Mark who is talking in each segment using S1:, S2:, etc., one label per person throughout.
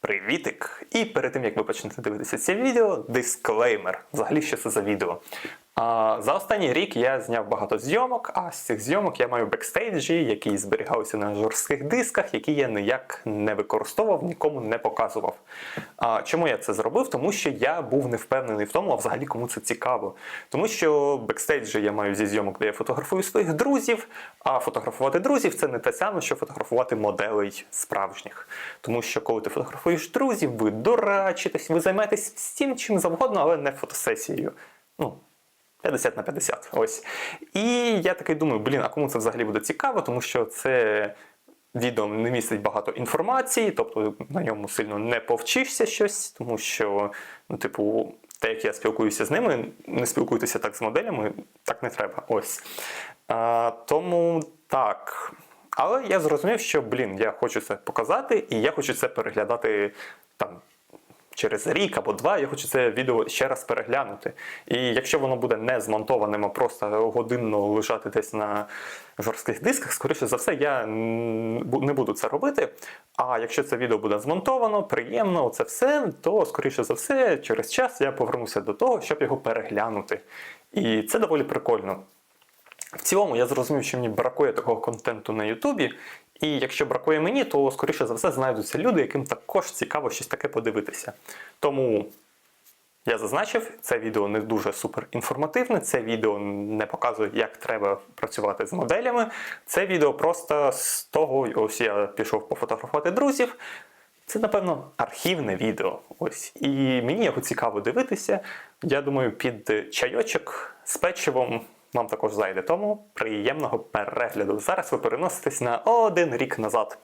S1: Привітик! І перед тим, як ви почнете дивитися це відео, дисклеймер. Взагалі, що це за відео? За останній рік я зняв багато зйомок, а з цих зйомок я маю бекстейджі, які зберігалися на жорстких дисках, які я ніяк не використовував, нікому не показував. Чому я це зробив? Тому що я був не впевнений в тому, а взагалі кому це цікаво. Тому що бекстейджі я маю зі зйомок, де я фотографую своїх друзів, а фотографувати друзів – це не те саме, що фотографувати моделей справжніх. Тому що коли ти фотографуєш друзів, ви дурачитесь, ви займаєтесь всім чим завгодно, але не фотосесією. 50 на 50, ось. І я такий думаю, а кому це взагалі буде цікаво, тому що це відео не містить багато інформації, тобто на ньому сильно не повчишся щось, тому що, те, як я спілкуюся з ними, не спілкуйтеся так з моделями, так не треба, ось. Тому так. Але я зрозумів, що, я хочу це показати, і я хочу це переглядати через рік або два, я хочу це відео ще раз переглянути. І якщо воно буде не змонтованим, а просто годинно лежати десь на жорстких дисках, скоріше за все, я не буду це робити. А якщо це відео буде змонтовано, приємно, це все, то, скоріше за все, через час я повернуся до того, щоб його переглянути. І це доволі прикольно. В цілому, я зрозумів, що мені бракує такого контенту на Ютубі, і якщо бракує мені, то, скоріше за все, знайдуться люди, яким також цікаво щось таке подивитися. Тому я зазначив, це відео не дуже супер інформативне, це відео не показує, як треба працювати з моделями. Це відео просто з того, ось я пішов пофотографувати друзів. Це, напевно, архівне відео. Ось. І мені його цікаво дивитися. Я думаю, під чайочок з печивом вам також зайде, тому приємного перегляду. Зараз ви переноситесь на 1 рік назад.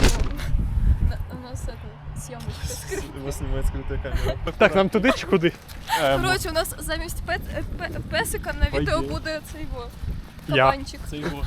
S2: У нас зйомочка скрита.
S3: Его снимает скрытая камера.
S4: Так, нам туди чи куди?
S2: Коротше, у нас замість песика на відео буде цей
S4: Я.
S2: кабанчик.
S3: Это его.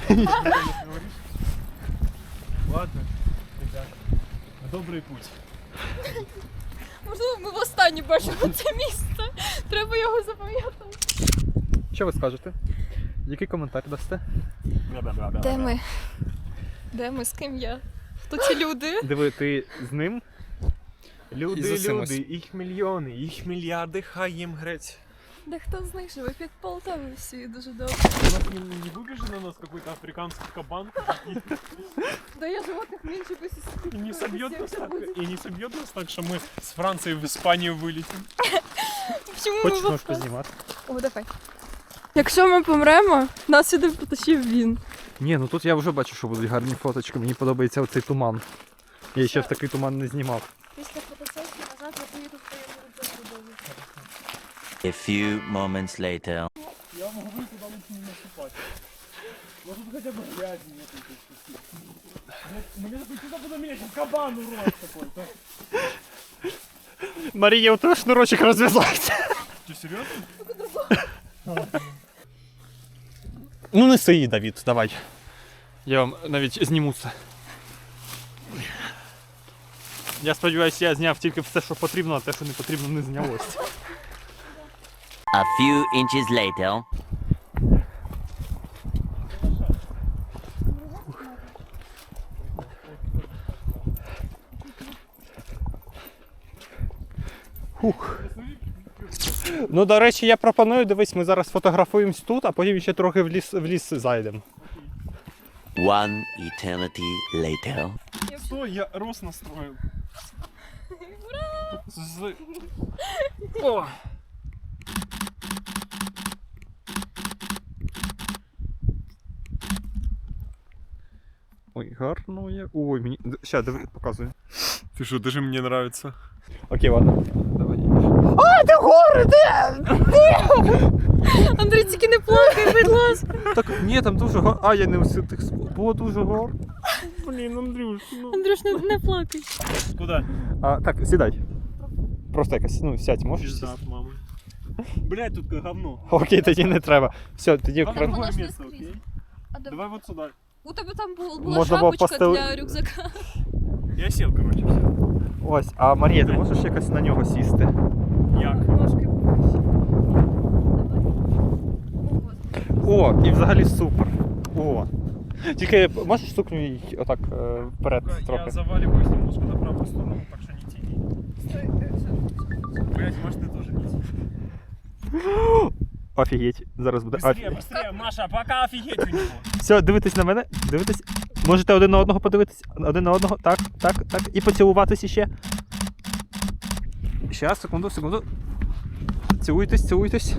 S3: Ладно, ребята, на добрый путь.
S2: Можливо, ми востаннє бачимо це місце. Треба його запам'ятати.
S4: Що ви скажете? Який коментар дасте?
S2: Де ми? Де ми? З ким я? Хто ці люди?
S4: Диви, ти з ним?
S3: Люди,
S4: Ісусимось.
S3: їх мільйони, їх мільярди, хай їм греть.
S2: Де хто з них живе під Полтавою всі дуже добре.
S3: У нас не выбежит на нас какой-то африканский кабан
S2: Да я животних менше би
S3: и не собьет нас так, что мы с Франции в Испанию вылетим.
S2: Чому
S4: Хочеш
S2: ми
S4: ножку знімати?
S2: О, давай. Якщо ми помремо, нас сюди потащив він.
S4: Ні, ну тут я вже бачу, що будуть гарні фоточки. Мені подобається оцей туман. Я ще в такий туман не знімав.
S2: Після фотосесії назад я поїду в твоєму рюкзаку.
S5: A few moments later.
S3: Я могу туда лучше не наступать. Может хотя бы грязи нету. Мне туда буду менять, кабан урод какой-то.
S4: Марія, у тебе шнурочок розв'язався.
S3: Ты серьезно?
S4: Ну неси її, Давід, давай. Я вам навіть зніму це. Я сподіваюся, я зняв тільки все, що потрібно, а те, що не потрібно, не знялось.
S5: A few inches later.
S4: Ну, до речі, я пропоную, дивись, ми зараз фотографуємось тут, а потім ще трохи в ліс зайдемо.
S5: One eternity later.
S3: Что я рост настроил? О!
S4: Ой, гарно я. Ой, мені. Ща, диви, показую.
S3: Ты что, даже мне нравится.
S4: Окей, ладно. Давай. А, де гори, де?
S2: Андрій, тільки не плакай, будь ласка.
S4: Так, ні, там дуже гор. А, я не усі тих було дуже гор. Блін, Андрюш, ну.
S2: Андрюш, не плакай.
S3: Куда?
S4: Так, сідай. Просто якось, сядь, можеш
S3: Пизда
S4: сісти?
S3: от мамы. Блять, тут говно.
S4: Окей, тоді не треба. Все, тоді
S3: Давай
S2: Воно
S3: другое
S2: ж не
S3: место,
S2: скрізь.
S3: окей?
S2: А де-
S3: Давай вот сюда.
S2: У тебе там була
S4: Можна було
S2: шапочка
S4: постели-
S2: для рюкзака.
S3: Я сел, короче, все.
S4: Ось, а Марія, ти можеш якось на нього сісти?
S3: Як?
S2: Ножки.
S4: О, і взагалі супер. О. Тільки можеш сукню їй отак вперед
S3: Я
S4: трохи.
S3: заваливаюсь немножко на правую сторону, так что не тяни.
S4: Офігеть. Зараз буде
S3: Быстрее,
S4: офігеть.
S3: быстрее, Маша, пока офигеть у него.
S4: Все, дивитесь на мене, дивитесь. Можете один на одного подивитись. Один на одного. Так, так, так. І поцілуватись іще. Щас, секунду, секунду. Цілуйтесь, цілуйтесь.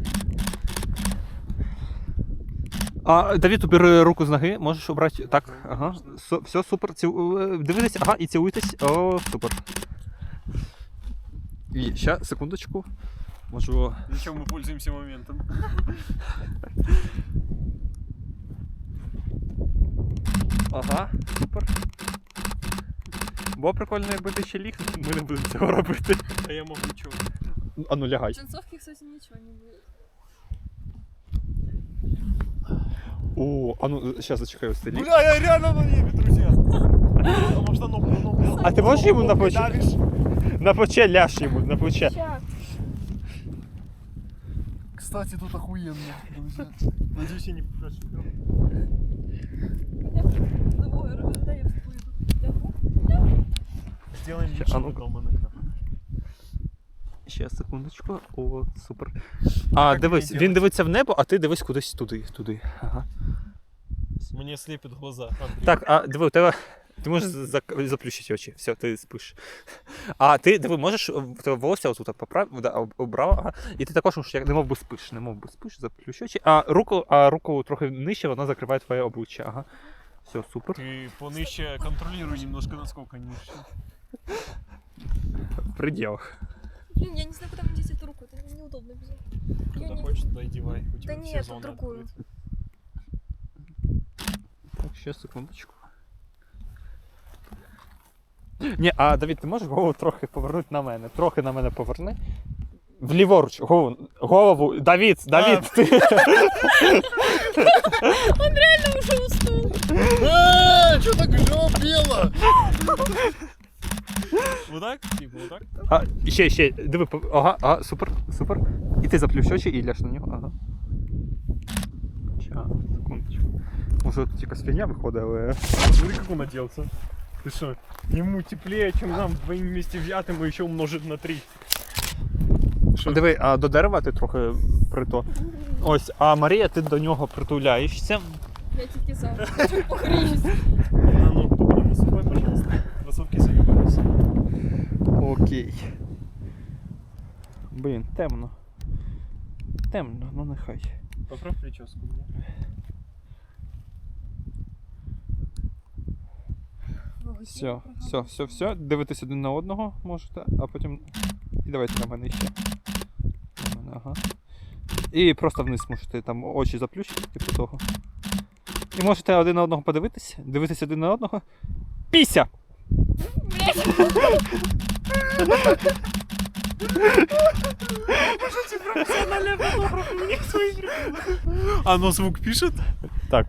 S4: А, Давід, убери руку з ноги, можеш обрати. Так, ага. Все, супер. Дивитесь, ага, і цілуйтесь. О, супер. І ще, секундочку. Можу.
S3: Зачем мы пользуемся моментом?
S4: Ага, супер. Було прикольно, якби ти ще ліг, ми не будемо цього робити.
S3: А я могу ничего.
S4: А ну лягай.
S2: В джинсовке, кстати, ничего не будет.
S4: О, а ну зараз зачекай ось ти ліг.
S3: Бля, я реально на небе, друзья. Потому что оно...
S4: А ти можеш йому на плече?
S3: Давишь?
S4: На плече ляж йому, на плече.
S2: Сейчас.
S3: Кстати, тут охуенно, друзья. Надеюсь, я не прошибал. Сделаем вид,
S4: А
S3: что
S4: ну-ка.
S3: мы дома на кафе.
S4: Ще секундочку. О, супер. А, дивись,
S3: мені
S4: він дивиться в небо, а ти дивись кудись туди. Ага.
S3: Мне слепят глаза, Андрей.
S4: Так, а диви, у тебе. Ти можеш заплющити очі. Все, ти спиш. А ти диви, можеш в тебе волосся отут поправ, да, обрав, ага. І ти також можеш, як немов би спиш, заплющ очі. А руку трохи нижче, вона закриває твоє обличчя. Ага. Все, супер.
S3: Ты поныще контролируй немножко, насколько ниже.
S4: В пределах.
S2: Блин, я не знаю, куда мне деть эту руку. Это неудобно без руки. Я
S3: Куда
S2: не-
S3: хочешь, туда и девай. У тебя
S2: Да
S3: все
S2: нет,
S3: зоны
S2: другую.
S3: открыты.
S4: Так, ще секундочку. Ні, а Давід, ти можеш голову трохи повернути на мене? Трохи на мене поверни. Вліворуч, голову. Давід, ти.
S2: Он реально уже уснул.
S3: Что так бело? Вот так? Типа вот так?
S4: А, ще, диви, ага, супер. І ти заплющ очі і ляж на нього, ага. Ща, секундочку. Може тут якась фігня виходить, але...
S3: Смотри, как он оделся. Ты что, ему теплее, чем нам вдвоем вместе взятым, и еще умножить на 3.
S4: Диви, а до дерева ти трохи прито. Ось, а Марія, ти до нього притуляєшся.
S2: Я тільки за. Хочу погріюсь.
S3: Ну, тупо наступай, пожалуйста. Кроссовки заебались.
S4: Окей. Блін, темно. Темно, ну нехай.
S3: Поправь прическу.
S4: Все. Дивитесь один на одного можете, а потім. І давайте на мене ще. На мене, ага. І просто вниз можете там очі заплющити, типу того. І можете один на одного подивитись, дивитись один на одного. Піся!
S3: Оно ну, звук пишет?
S4: Так.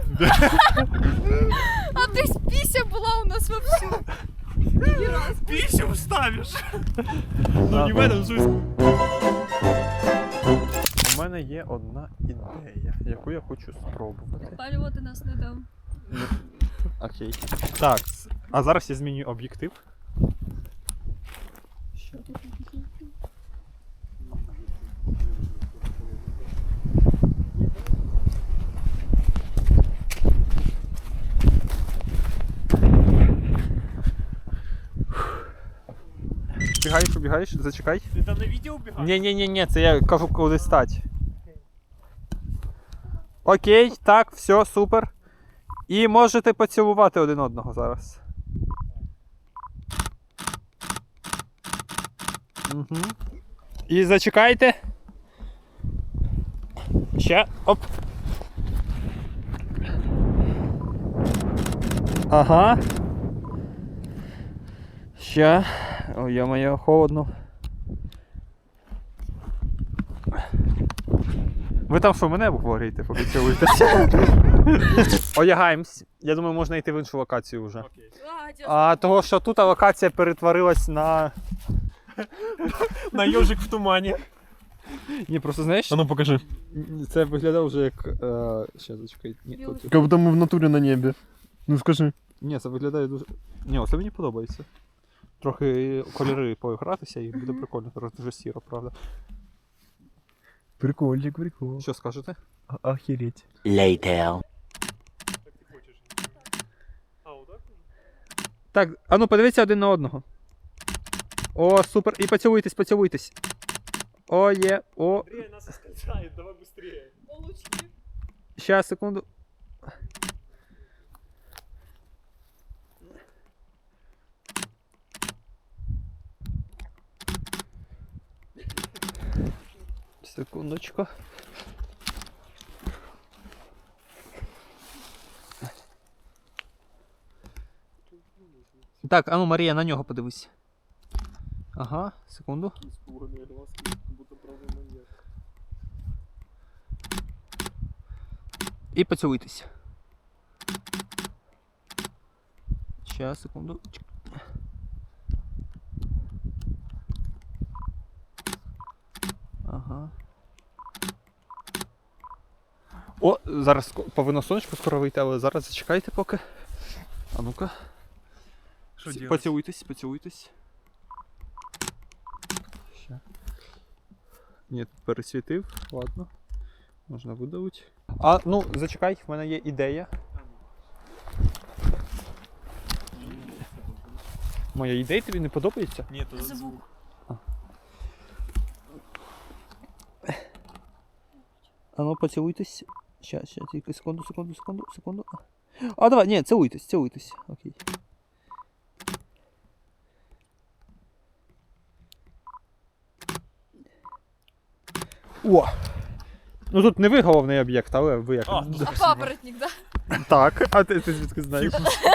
S2: А то есть пися была у нас вовсю.
S3: Писю вставишь. Ну не в этом смысле.
S4: У мене є одна ідея, яку я хочу спробувати.
S2: Палювати нас не дам.
S4: Окей. Так, а зараз я змінюю об'єктив. Бігаєш, зачекай.
S3: Ты там на видео убегаешь?
S4: Ні, це я кажу, куди стать. Окей, так, все, супер. І можете поцілувати один одного зараз. Угу. І зачекайте. Ще, оп. Ага. Ще. Ой, я-моє, холодно. Ви там що, мене обговорюєте, поки цілуєтеся? Одягаємось. Я думаю, можна йти в іншу локацію вже.
S3: Окей.
S4: А того, що тут локація перетворилась на...
S3: На ежик в тумане.
S4: Ні, просто знаєш,
S3: А ну покажи.
S4: це виглядає вже як... Ще зачекай. Ні, тут...
S3: Как будто мы в натуре на небе. Ну скажи.
S4: Ні, це виглядає дуже... Ні, це мені подобається. Трохи кольори поігратися і буде прикольно. Зараз дуже сіро, правда.
S3: Прикольчик, прикол.
S4: Що скажете?
S3: Охереть.
S5: Later.
S4: Так, а ну подивіться один на одного. О, супер. І поцілуйтесь, поцілуйтесь. О, є, о.
S3: Андрей нас оскользает, давай быстрее.
S4: Щас, секунду. Секундочку. Так, а ну, Марія, на нього подивись. Ага, секунду.
S3: Испуганные глазки, как будто правый маньяк.
S4: І поцілуйтесь. Щас, секунду. Ага. О, зараз повинно сонечко скоро вийти, але зараз зачекайте поки. А ну-ка.
S3: Что делать?
S4: Поцілуйтесь, поцілуйтесь. Ще. Ні, пересвітив, ладно. Можна видавити. А, ну, зачекай, в мене є ідея. Моя ідея тобі не подобається?
S3: Нет, это звук.
S4: А ну, поцілуйтесь. Щас, тільки секунду. А, давай, ні, цілуйтесь. Окей. О! Ну тут не ви головний об'єкт, але ви як.
S3: А, ну,
S2: А папоротник, да?
S4: Так, а ти звідки знаєш?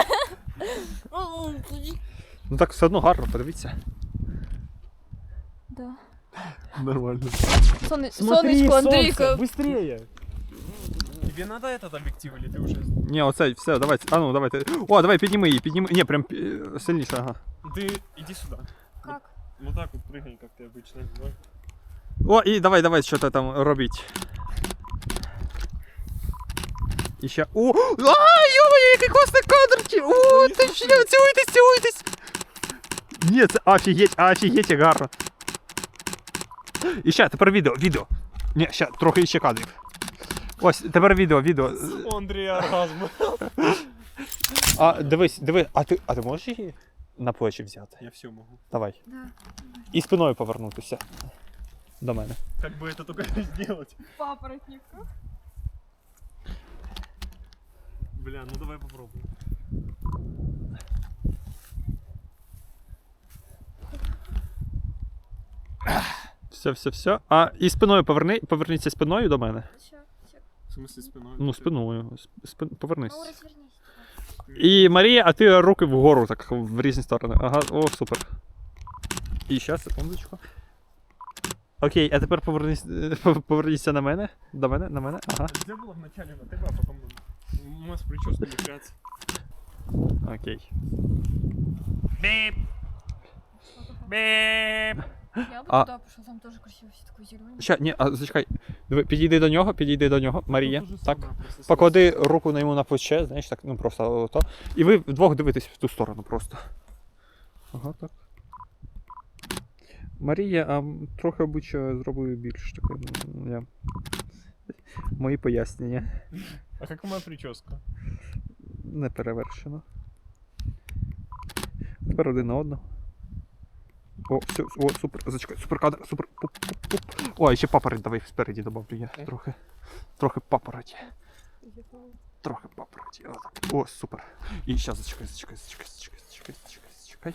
S4: Ну так все одно гарно, подивіться.
S2: Да.
S3: Нормально.
S2: Сонечко, Андрійко.
S3: Быстрее. Тебе надо этот объектив или ты уже...
S4: Ні, оцей, все, давайте. А ну, давайте. О, давай, підніми її, підніми. Ні, прям сильніше, ага.
S3: Ты иди сюда.
S2: Как?
S3: Вот так вот прыгай, как ты обычно. Давай.
S4: О, і давай, що ти там робіть. І ще. О! Йо-моє, який класний кадр! О, ти ще, цілуйтесь! Ні, це офігеть, як гарно. І ще, тепер відео. Ні, ще, трохи ще кадрів. Ось, тепер відео.
S3: У Андрея оргазм.
S4: А, дивись, а ти можеш її на плечі взяти?
S3: Я все могу.
S4: Давай.
S2: Да.
S4: І спиною повернутися. До мене.
S3: Как бы это только сделать?
S2: Папоротник.
S3: Бля, ну давай попробуем.
S4: Все. А, і спиною поверніться спиною до мене.
S3: В смысле спиной?
S4: Ну, спиною. Повернись.
S2: Ну, розвернись.
S4: І Марія, а ти руки вгору, так, в різні сторони. Ага, о, супер. І ще, секундочку. Окей, а тепер поверніться на мене. До мене, на мене. Ага.
S3: Где было вначале на тебя, а потом у нас прическа лишается.
S4: Окей.
S2: Я бы
S4: А-
S2: туда пошел, там тоже красиво, все такое зеленое.
S4: Ща, ні, а зачекай. Диви, підійди до нього, Марія.
S3: Тут то же
S4: Так.
S3: самое, просто с-
S4: Поклади руку на йому на плече, знаєш, так, ну просто ото. І ви вдвох дивитесь в ту сторону просто. Ага, так. Марія, а трохи обличчя зробив більш таке. Я... Мої пояснення.
S3: А как моя прическа?
S4: Не перевершено. Тепер один на одного. О, все, о, супер, зачекай, супер кадр, супер. Пуп. О, і ще папороть давай спереді добавлю я. Трохи папороті. Трохи папороті. О, супер. І зараз зачекай.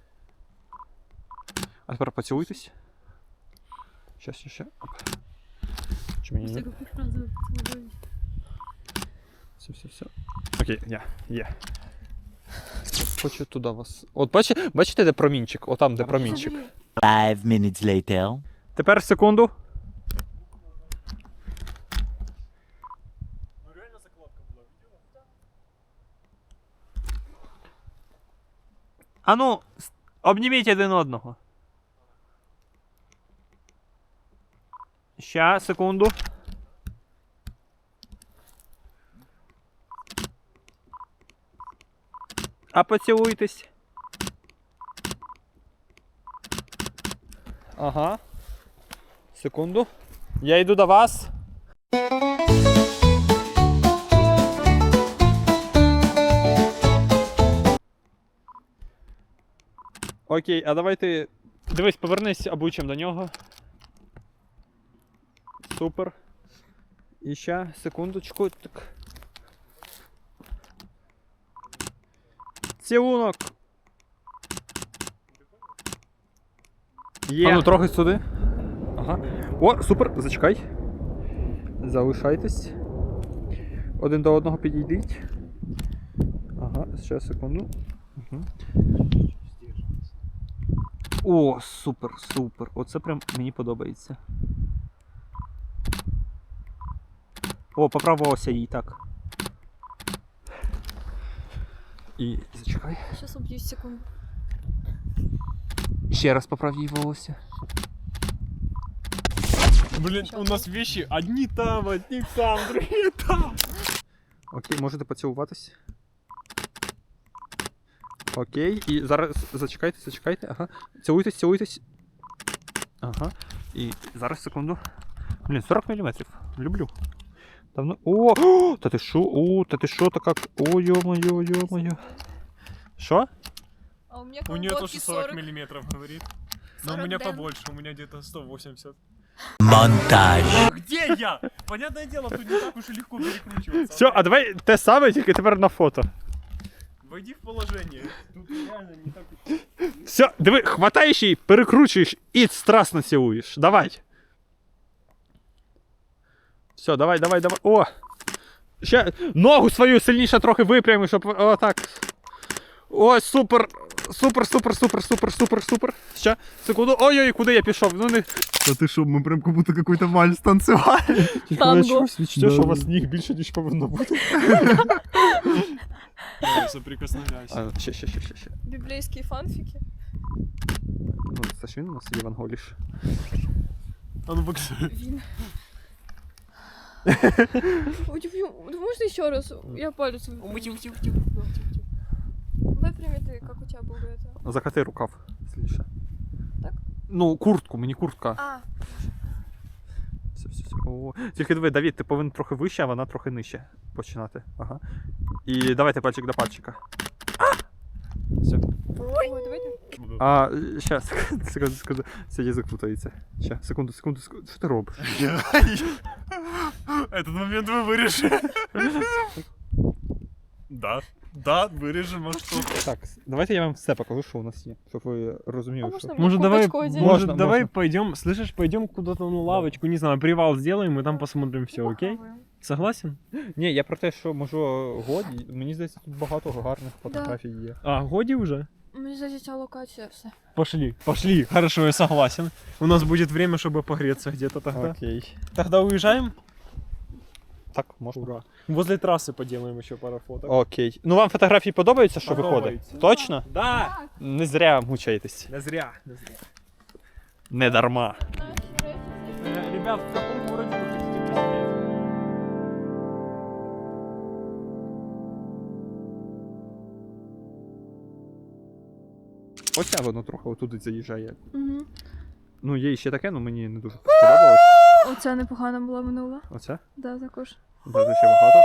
S4: А тепер поцілуйтесь. Ще. Оп. Чи мені не? Все. Окей, є. Хочу туди вас. От бачите, де промінчик? Отам, де промінчик.
S5: 5 minutes later.
S4: Тепер секунду.
S3: Ну реально закладка была, видела?
S4: А ну, обніміть один одного. Ща, секунду. А поцілуйтесь. Ага. Секунду. Я йду до вас. Окей, а давай ти. Дивись, повернись обличчям до нього. Супер. І ще, секундочку. Так. Цілунок. Є. А ну трохи сюди. Ага. О, супер, зачекай. Залишайтесь. Один до одного підійдіть. Ага, ще секунду. Угу. О, супер, супер. Оце прям мені подобається. О, поправився їй, так. І зачекай.
S2: Сейчас убью секунду.
S4: Ще раз поправ їй волосся.
S3: Блин, у нас вещи одни там, другие там.
S4: Окей, можете поцілуватись. Окей, і зараз зачекайте, ага. Цілуйтесь. Ага. І зараз секунду. Блін, 40 мм. Люблю. Давно. О, та ти шо? О, та ти шо, так как. О, ё-моё. Шо?
S2: А у меня
S3: У нее
S2: колготки
S3: тоже 40 миллиметров, говорит. Но у
S2: 40
S3: меня
S2: дэн.
S3: побольше, у меня где-то 180.
S5: Montage.
S3: Где я? Понятное дело, тут не так уж и легко перекручиваться.
S4: Все, а давай те саме, тільки тепер на фото.
S3: Войди в положение. Тут реально не так уж...
S4: Все, диви, хватаєш її, перекручуєш і страстно цілуєш. Давай. Все, давай. О! Ще ногу свою сильніше трохи випрями, щоб отак. Ой, супер. Супер. Ще, секунду. Ой-ой, куди я пішов? Ну не...
S6: Да ты шо, мы прям как будто какой-то вальс танцевали.
S2: Танго.
S4: Все, що у вас ніг більше, ніж повинно бути.
S3: Соприкосновляйся.
S4: А, ще.
S2: Библейские фанфики.
S4: Ну, це ж він у нас Євангеліш.
S3: А ну боксуй.
S2: Вин. Можно еще раз? Я палец выпрямлю. Выпрями ты, как у тебя был до этого.
S4: Закати рукав сильніше.
S2: Так?
S4: Ну, куртку, мені куртка.
S2: А,
S4: Все. О. Тільки диви, Давід, ти повинен трохи вище, а вона трохи нижче починати. Ага. І давайте пальчик до пальчика. Все.
S2: ой, давайте.
S4: А, щас, секунду. Це язик путається. Ще, секунду. Що ти робиш?
S3: Этот момент вы вырежете. Да, вырежем, а что?
S4: Так, давайте я вам все покажу, що у нас є, щоб ви
S2: А
S4: розуміли,
S2: можно
S4: що...
S2: мне курточку одеть?
S4: Можно.
S3: давай пойдем, слышишь, пойдем куда-то на лавочку, не знаю, привал сделаем и там посмотрим все, окей? Согласен?
S4: Ні, я про те, що, може, годі, мені здається, тут багато гарних фотографій є.
S3: А, годи уже?
S2: Мне здається, локація все.
S3: Пошли, хорошо, я согласен. У нас будет время, чтобы погреться где-то тогда.
S4: Окей.
S3: Тогда уезжаем?
S4: Так, можна.
S3: Ура. Возле трассы поделаем еще пару фоток.
S4: Окей. Ну вам фотографії подобаються, що
S3: Подобається.
S4: виходить? Точно?
S3: Да!
S4: Не зря мучаєтесь.
S3: Не зря.
S4: Не дарма.
S3: Ребят, в каком городе вы хотите посидеть?
S4: Оця воно трохи отуди заїжджає.
S2: Угу.
S4: Ну, є ще таке, але мені не дуже сподобалось.
S2: Оця непогана була минула.
S4: Оце?
S2: Да, також.
S4: Буде ще багато.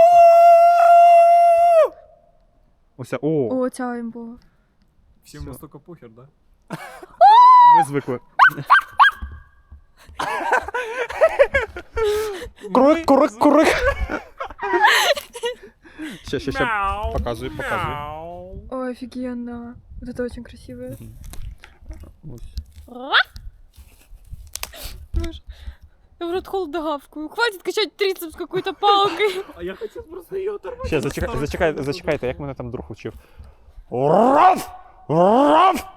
S4: Оця, о!
S2: О, ця їм була.
S3: Всем
S4: Всё.
S3: настолько похер, да?
S4: Ми звикли. Курик. Ще. Показуй.
S2: Ой, офигенно. Вот это очень красивое.
S4: Ось.
S2: Я в рот холодогавкую. Хватит качать трицепс какой-то палкой.
S3: А я хотел просто ее оторвать.
S4: Ще, зачекайте, як мене там друг учив. Раф!